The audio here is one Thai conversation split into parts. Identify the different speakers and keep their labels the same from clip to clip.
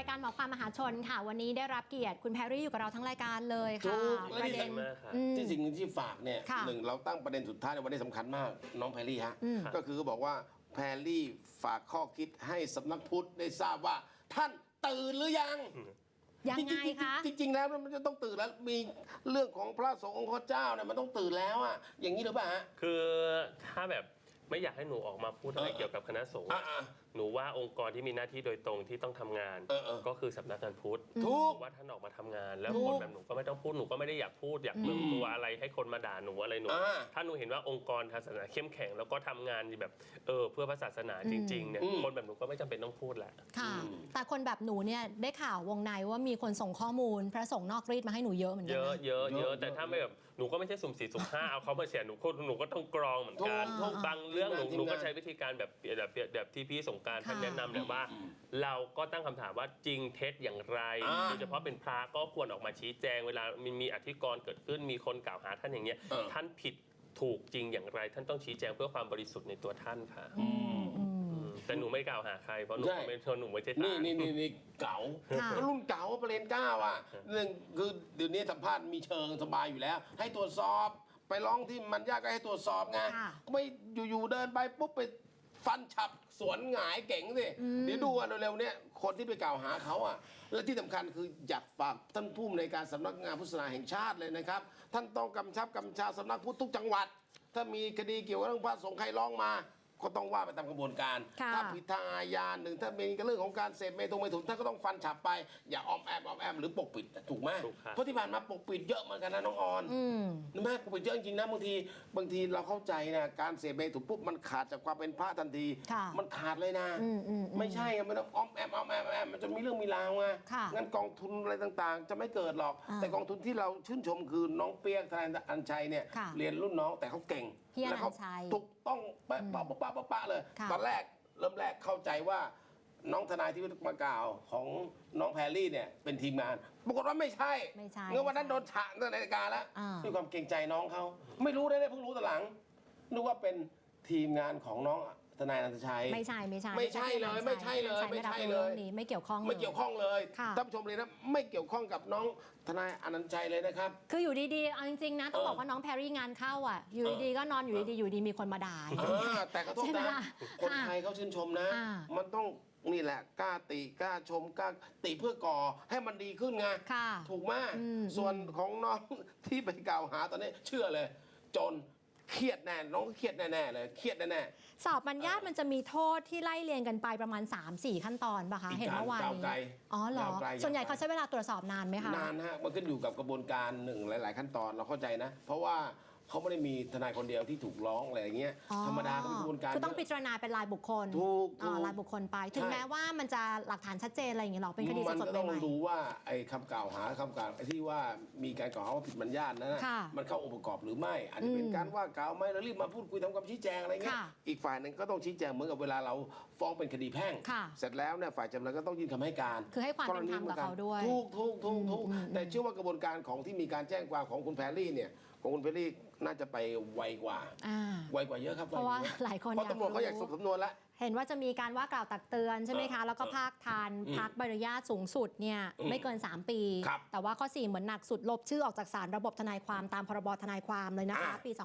Speaker 1: ายการหมอความมหาชนค่ะวันนี้ได้รับเกียรติคุณแพรรี่อยู่กับเราทั้งรายการเลยค่ะ
Speaker 2: ประเด็นที่สิ่งที่ฝากเนี่ยหนึ่งเราตั้งประเด็นสุดท้ายในวันนี้สำคัญมากน้องแพรรี่ฮะก็คือบอกว่าแพรรี่ฝากข้อคิดให้สำนักพุทธได้ทราบว่าท่านตื่นหรือยัง
Speaker 1: ยังไงคะ
Speaker 2: จริงๆแล้วมันจะต้องตื่นแล้วมีเรื่องของพระสงฆ์องค์เจ้าเนี่ยมันต้องตื่นแล้วอะอย่างนี้หรือเปล่าฮะ
Speaker 3: คือถ้าแบบไม่อยากให้หนูออกมาพูดอะไรเกี่ยวกับคณะสงฆ์หนูว่าองค์กรที่มีหน้าที่โดยตรงที่ต้องทำงานก็คือสำนักงานพุทธ
Speaker 2: ถูก
Speaker 3: ว่าท่านออกมาทำงานแล้วคนแบบหนูก็ไม่ต้องพูดหนูก็ไม่ได้อยากพูดอยากเมืองตัวอะไรให้คนมาด่าหนูอะไรหนูถ้าหนูเห็นว่าองค์กรศาสนาเข้มแข็งแล้วก็ทำงานแบบเพื่อพระศาสนาจริงๆเนี่ยคนแบบหนูก็ไม่จำเป็นต้องพูดแหละ
Speaker 1: ค่ะแต่คนแบบหนูเนี่ยได้ข่าววงในว่ามีคนส่งข้อมูลพระสงฆ์นอกรีดมาให้หนูเยอะเหมือนกัน
Speaker 3: เยอะแต่ถ้าไม่แบบหนูก็ไม่ใช่สุ่ม4สุ่ม5เอาเขามาแชร์หนูก็ต้องกรองเหมือนกันบางเรื่องหนูก็ใช้วิธีการแบบที่พี่สงกรานต์ท่านแนะนำเนี่ยว่าเราก็ตั้งคำถามว่าจริงเท็จอย่างไรโดยเฉพาะเป็นพระก็ควรออกมาชี้แจงเวลามีอธิกรณ์เกิดขึ้นมีคนกล่าวหาท่านอย่างเงี้ยท่านผิดถูกจริงอย่างไรท่านต้องชี้แจงเพื่อความบริสุทธิ์ในตัวท่านค่ะแต่หนูไม่กล่าวหาใครเพราะหนูไม่ใช่
Speaker 2: นี่เก๋ารุ่นเก๋าประเด็น9อ่ะหนึ่งคือเดี๋ยวนี้สัมภาษณ์มีเชิงสบายอยู่แล้วให้ตรวจสอบไปร้องที่มันยากก็ให้ตรวจสอบไงไม่อยู่ๆเดินไปปุ๊บไปฟันฉับสวนหงายเก่งสิเดี๋ยวดูกันเร็วๆเนี่ยคนที่ไปกล่าวหาเขาอ่ะและที่สำคัญคืออยากฝากท่านผู้อำนวยการสำนักงานพุทธศาสนาแห่งชาติเลยนะครับท่านต้องกำชาสำนักพุทธทุกจังหวัดถ้ามีคดีเกี่ยวกับเรื่องพระสงฆ์ใครร้องมาก็ต้องว่าไปตามกระบวนการถ้าผิดทางอาญาหนึ่งถ้ามีเรื่องของการเสพเมถุนท่านก็ต้องฟันฉับไปอย่าออมแอมหรือปกปิดถูกไหมเพราะที่ผ่านมาปกปิดเยอะเหมือนกันนะน้องออนนะแม่ปกปิดเยอะจริงๆนะบางทีเราเข้าใจนะการเสพเมถุนปุ๊บมันขาดจากความเป็นพระทันทีมันขาดเลยนะไม่ใช่มันต้องออมแอมมันจะมีเรื่องมีราวไงงั้นกองทุนอะไรต่างๆจะไม่เกิดหรอกแต่กองทุนที่เราชื่นชมคือน้องเปียกทนายอัญชัยเนี่ยเรียนรุ่นน้องแต่เขาเก่ง
Speaker 1: แล้วเขา
Speaker 2: ถูกต้องปะเลยตอนแรกเริ่มแรกเข้าใจว่าน้องทนายที่มากล่าวของน้องแพรรี่เนี่ยเป็นทีมงานปรากฏว่าไม่ใช่เมื่อวันนั้นโดนฉะในรายการแล้วด้วยความเกรงใจน้องเขาไม่รู้ได้เพิ่งรู้ตอนหลังนึกว่าเป็นทีมงานของน้องทนายอนันตชัย
Speaker 1: ไม่ใช่เลยไม่
Speaker 2: ใช่เลยไม่เ
Speaker 1: กี่ยวข้อง
Speaker 2: เลยท่านผู้ชมเลยนะไม่เกี่ยวข้องกับน้องทนายอนันตชัยเลยนะครับ
Speaker 1: คืออยู่ดีๆเอาจริงๆนะต้องบอกว่าน้องแพรรี่งานเข้าอ่ะอยู่ดีๆก็นอนอยู่ดีมีคนมาด่า
Speaker 2: แต่ขอโทษนะคนไทยเขาชื่นชมนะมันต้องนี่แหละกล้าติกล้าชมกล้าติเพื่อก่อให้มันดีขึ้นไงถูกไหมส่วนของน้องที่ไปกล่าวหาตอนนี้เชื่อเลยจนเครียดแน่น้องเครียดแน่เลยเครียดแน่
Speaker 1: สอบบัญญัติมันจะมีโทษที่ไล่เรียงกันไปประมาณ 3-4 ขั้นตอนป่ะคะเห็นเมื่อวานนี้อ๋อเหรอส่วนใหญ่เขาใช้เวลาตรวจสอบนานไหมคะ
Speaker 2: นานฮะมันขึ้นอยู่กับกระบวนการหนึ่งหลายๆขั้นตอนเราเข้าใจนะเพราะว่าเขาไม่ได้มีทนายคนเดียวที่ถูกร้องอะไรอย่างเงี้ยธรรมดาก็มีกระบวนการ
Speaker 1: คือต้องพิจารณาเป็นรายบุคคล
Speaker 2: ถูก
Speaker 1: รายบุคคลไปถึงแม้ว่ามันจะหลักฐานชัดเจนอะไรอย่างเงี้ยหรอเป็นคดีสดๆใหม่ๆมันก็
Speaker 2: ต้องดูว่าไอ้คำกล่าวหาที่ว่ามีการกล่าวหาว่าผิดบัญญัตินั้นมันเข้าองค์ประกอบหรือไม่อาจจะเป็นการว่ากล่าวไม่แล้วรีบมาพูดคุยทำความชี้แจงอะไรเงี้ยอีกฝ่ายหนึ่งก็ต้องชี้แจงเหมือนกับเวลาเราฟ้องเป็นคดีแพ่งเสร็จแล้วเนี่ยฝ่ายจำเลยก็ต้องยื่นคำให้การ
Speaker 1: คือให้ความเป็นธรรมกับเขาด้วย
Speaker 2: ถูกแต่เชื่อว่ากระบวนการของที่มีการแจ้งความของคุณแพรรี่เนี่ยของคุณแพรรี่น่าจะไปไวกว่าเยอะครับ
Speaker 1: เพราะว่าหลายคน
Speaker 2: เพราะตำรวจเขาอยากสรุปสำนวนแล้ว
Speaker 1: เห็นว่าจะมีการว่ากล่าวตักเตือนใช่ไหมคะแล้วก็ภาคทันพักใบอนุญาตสูงสุดเนี่ยไม่เกิน3 ปีแต่ว่าข้อ4เหมือนหนักสุดลบชื่อออกจากศาลระบบทนายความตามพรบทนายความเลยนะคะปี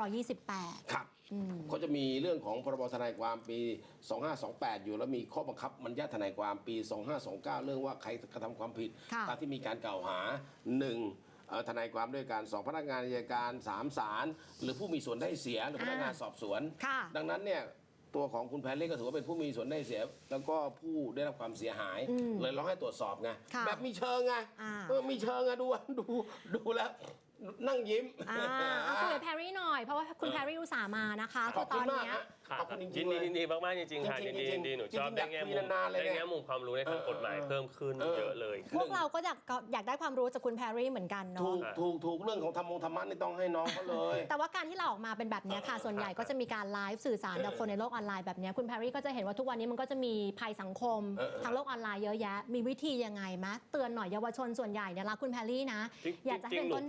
Speaker 1: 2528
Speaker 2: ครับเขาจะมีเรื่องของพรบทนายความปี 2528 อยู่แล้วมีข้อบังคับบัญญัติทนายความปี 2529 เรื่องว่าใครกระทำความผิดตามที่มีการกล่าวหา1ทนายความด้วยการ2พนักงานอัยการ3ศาลหรือผู้มีส่วนได้เสียหรือพนักงานสอบสวนดังนั้นเนี่ยตัวของคุณแพรรี่ก็ถือว่าเป็นผู้มีส่วนได้เสียแล้วก็ผู้ได้รับความเสียหายเลยร้องให้ตรวจสอบไงแบบมีเชิงไงมีเชิงไงดูแล้วนั่งยิ้ม
Speaker 1: คุยกับแพรรี่หน่อยเพราะว่าคุณแพรรี่อุตส่าห์มานะคะ
Speaker 2: ขอบคุณมาก
Speaker 3: ขอบคุณจริงๆดีมากๆจริงๆค่ะดีหนูชอบได้แง่มุมความรู้ในทางกฎหมายเพิ่มขึ้นเยอะเลย
Speaker 1: พวกเราก็อยากได้ความรู้จากคุณแพรรี่เหมือนกันเนาะ
Speaker 2: ถูกเรื่องของธรรมะนี่ต้องให้น้องเขาเลย
Speaker 1: แต่ว่าการที่เราออกมาเป็นแบบนี้ค่ะส่วนใหญ่ก็จะมีการไลฟ์สื่อสารกับคนในโลกออนไลน์แบบนี้คุณแพรรี่ก็จะเห็นว่าทุกวันนี้มันก็จะมีภัยสังคมทางโลกออนไลน์เยอะแยะมีวิธียังไงมะเตือนหน่อยเยาวชนส่วนใหญ่เนี่ยรักคุณแพรรี่นะอยากจะเป็นต้นแบบ
Speaker 3: เยอ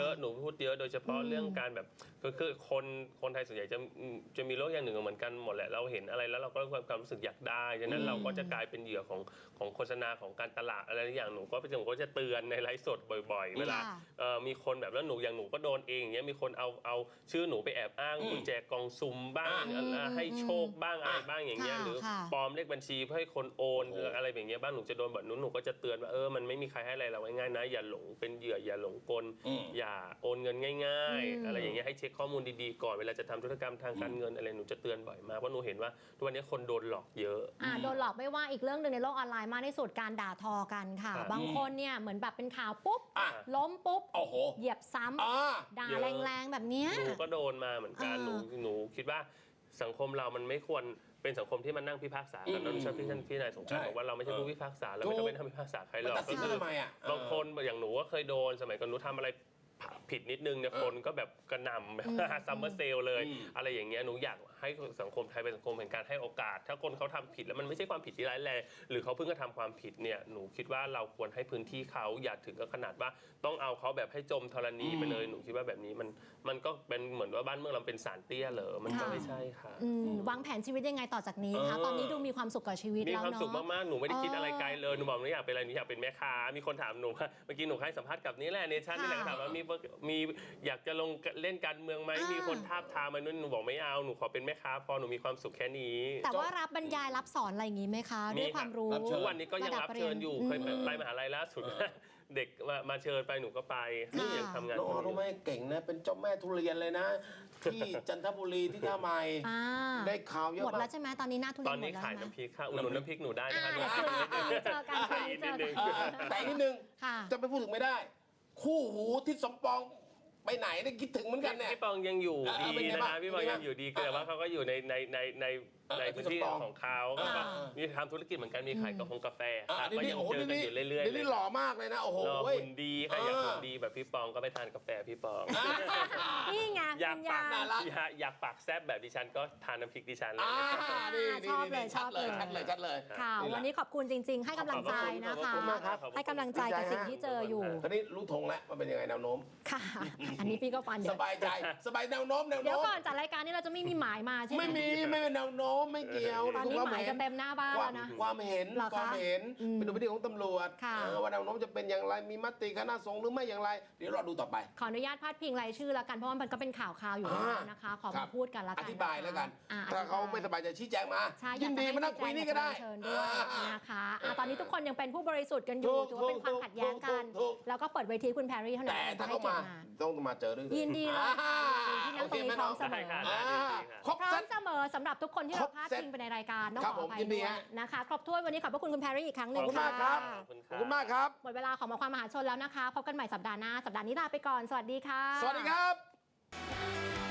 Speaker 3: อะหนูพูดเยอะโดยเฉพาะเรื่องการแบบคือคนไทยส่วนใหญ่จะมีโรคอย่างหนึ่งเหมือนกันหมดแหละเราเห็นอะไรแล้วเราก็ความรู้สึกอยากได้ฉะนั้นเราก็จะกลายเป็นเหยื่อของโฆษณาของการตลาดอะไรอย่างหนูก็จะเตือนในไลฟ์สดบ่อยๆเวลามีคนแบบแล้วหนูอย่างหนูก็โดนเองอย่างเงี้ยมีคนเอาชื่อหนูไปแอบอ้างกุญแจกล่องซุ่มบ้างให้โชคบ้างอะไรบ้างอย่างเงี้ยหรือปลอมเลขบัญชีเพื่อให้คนโอนหรืออะไรอย่างเงี้ยบ้างหนูจะโดนแบบหนูก็จะเตือนว่ามันไม่มีใครให้อะไรเราง่ายๆนะอย่าหลงเป็นเหยื่ออย่าหลงกลอย่าโอนเงินง่ายๆอะไรอย่างเงี้ยให้เช็คข้อมูลดีๆก่อนเวลาจะทำธุรกรรมทางการเงินอะไรหนูจะเตือนบ่อยมากเพราะหนูเห็นว่าทุกวันนี้คนโดนหลอกเยอะ
Speaker 1: โดนหลอกไม่ว่าอีกเรื่องหนึ่งในโลกออนไลน์มากที่สุดการด่าทอกันค่ะบางคนเนี่ยเหมือนแบบเป็นข่าวปุ๊บล้มปุ๊บเหยียบซ้ำด่าแรงๆแบบนี้
Speaker 3: หนูก็โดนมาเหมือนกันหนูคิดว่าสังคมเรามันไม่ควรเป็นสังคมที่มันนั่งพิพากษากันเราชอบที่ท่านพี่นายสงการบอกว่าเราไม่ใช่ผู้พิพากษาเราไม่ต้องเป็นผู้พิพากษาใครหรอกก็คือบางคนอย่างหนูก็เคยโดนสมัยก่อนหนูทำอะไรผิดนิดนึงเนี่ยคนก็แบบกระหน่ำแบบซัมเมอร์เซลเลยอะไรอย่างเงี้ยหนูอยากให้สังคมไทยเป็นสังคมแห่งการให้โอกาสถ้าคนเขาทำผิดแล้วมันไม่ใช่ความผิดที่ร้ายแรงหรือเขาเพิ่งกระทำความผิดเนี่ยหนูคิดว่าเราควรให้พื้นที่เขาอย่าถึงกับขนาดว่าต้องเอาเขาแบบให้จมธรณีไปเลยหนูคิดว่าแบบนี้มันก็เป็นเหมือนว่าบ้านเมืองเราเป็นศาลเตี้ยเหรอมันก็ไม่ใช่ค่ะ
Speaker 1: วางแผนชีวิตยังไงต่อจากนี้คะตอนนี้ดูมีความสุขกับชีวิตแล้วเนาะ
Speaker 3: มีความสุขมากๆหนูไม่ได้คิดอะไรไกลเลยหนูบอกหนูอยากเป็นอะไรหนูอยากเป็นแม่ค้ามีคนถามหนูว่าเมื่อกี้หนูให้สัมภาษณ์กับนี่แหละเนชั่นนี่แหละถามว่ามีอยากจะลงเล่นการเมืองไหมมีคนทาบทามมานู่นหนูบอกไม่เอาหนูขอเป็นแม่ค้าพอหนูมีความสุขแค่นี้
Speaker 1: แต่ว่ารับบรรยายรับสอนอะไรอย่างนี้ไหมคะด้วยความรู้
Speaker 3: ทุกวันนี้ก็ยังรับเชิญอยู่เคยไปมหาลัยล่าสุดเด็กมาเชิญไปหนูก็ไปยังทำงาน
Speaker 2: น้องรู้ไหมเก่งนะเป็นเจ้าแม่ทุเรียนเลยนะที่จันทบุรีที่ท่าใหม่ได้ข่าวเยอะ
Speaker 1: หมดแล้วใช่ไหมตอนนี้หน้าทุเรียน
Speaker 3: ตอนนี้ขายน้ำพริกค่ะอุดหนุนน้ำพริกหนูได้นะคะ
Speaker 1: เจอกัน
Speaker 2: แต่นิดนึงจะไปพูดถึงไม่ได้คู่หูที่สมปองไปไหนได้คิดถึงเหมือนกันเนี่ย
Speaker 3: พี่ปองยังอยู่ดีนะพี่ปองยังอยู่ดีแต่ว่าเขาก็อยู่ในพื้นที่ของเขาก็มีทำธุรกิจเหมือนกันมีขายกาแฟก็ยังเจอกันอยู่เรื่อยๆ
Speaker 2: นี่หล่อมากเลยนะโอ้โห
Speaker 3: หล่อหุ่นดีใครอยากหุ่นดีแบบพี่ปองก็ไปทานกาแฟพี่ปอง
Speaker 1: นี่ไง
Speaker 3: อยากปากแซ่บแบบดิฉันก็ทานน้ำพริกดิฉันเลย
Speaker 1: ชอบเลยชัด
Speaker 2: เลย
Speaker 1: ค่ะวันนี้ขอบคุณจริงๆให้กำลังใจนะคะให้กำลังใจกับสิ่งที่เจออยู่
Speaker 2: ตอนนี้รู้ธงแล้วว่าเป็นยังไงแนวโน้ม
Speaker 1: ค่ะอันนี้พี่ก็ฟัน
Speaker 2: สบายใจสบายแนวโน้ม
Speaker 1: เดี๋ยวก่อนจัดรายการนี้เราจะไม่มีหมายมาใช่ไหม
Speaker 2: ไม่เป็นแนวโน้มไม่เกี่ยว
Speaker 1: ตอนนี้หมายจะเต็มหน้าบ้านแล้วนะ
Speaker 2: ความเห็นเป็นดุลพินิจของตำรวจว่าแนวโน้มจะเป็นอย่างไรมีมติคณะสงฆ์หรือไม่อย่างไรเดี๋ยวรอดูต่อไป
Speaker 1: ขออนุญาตพาดพิงรายชื่อแล้วกันเพราะว่ามันก็เป็นข่าวอยู่แล้วนะคะขอมาพูดกันแล้วกัน
Speaker 2: อธิบายแล้วกันถ้าเขาไม่สบายใจชี้แจงมายินดีมานั่งคุยนี่ก็ได้
Speaker 1: เชิญด้วยนะคะตอนนี้ทุกคนยังเป็นผู้บริสุทธิ์กันอยู่ถือว่าเป็นความขัดแย้งกันแล้วก็เปิดเวทีคุณแพรรี่เท่านั้น
Speaker 2: แต่ถ้าเขามาต้องมาเจอด้วย
Speaker 1: ยินดีเลยที่นั่งตรงนี้พร้อมเสมอพร้อมเสมอสำหรับทุกคนที่เราพาดพิงไปในรายการต้องขออภัยด้วยนะคะครบถ้วนวันนี้ขอบพระคุณคุณแพรรี่อีกครั้งหนึ่ง
Speaker 2: ขอบคุณมากครับขอบคุณมากครับ
Speaker 1: หมดเวลาของมาความมหาชนแล้วนะคะพบกันใหม่สัปดาห์หน้าสัปดาห์นี้ลาไปก่อนสวัสดีค่ะ
Speaker 2: สวัสดีครับ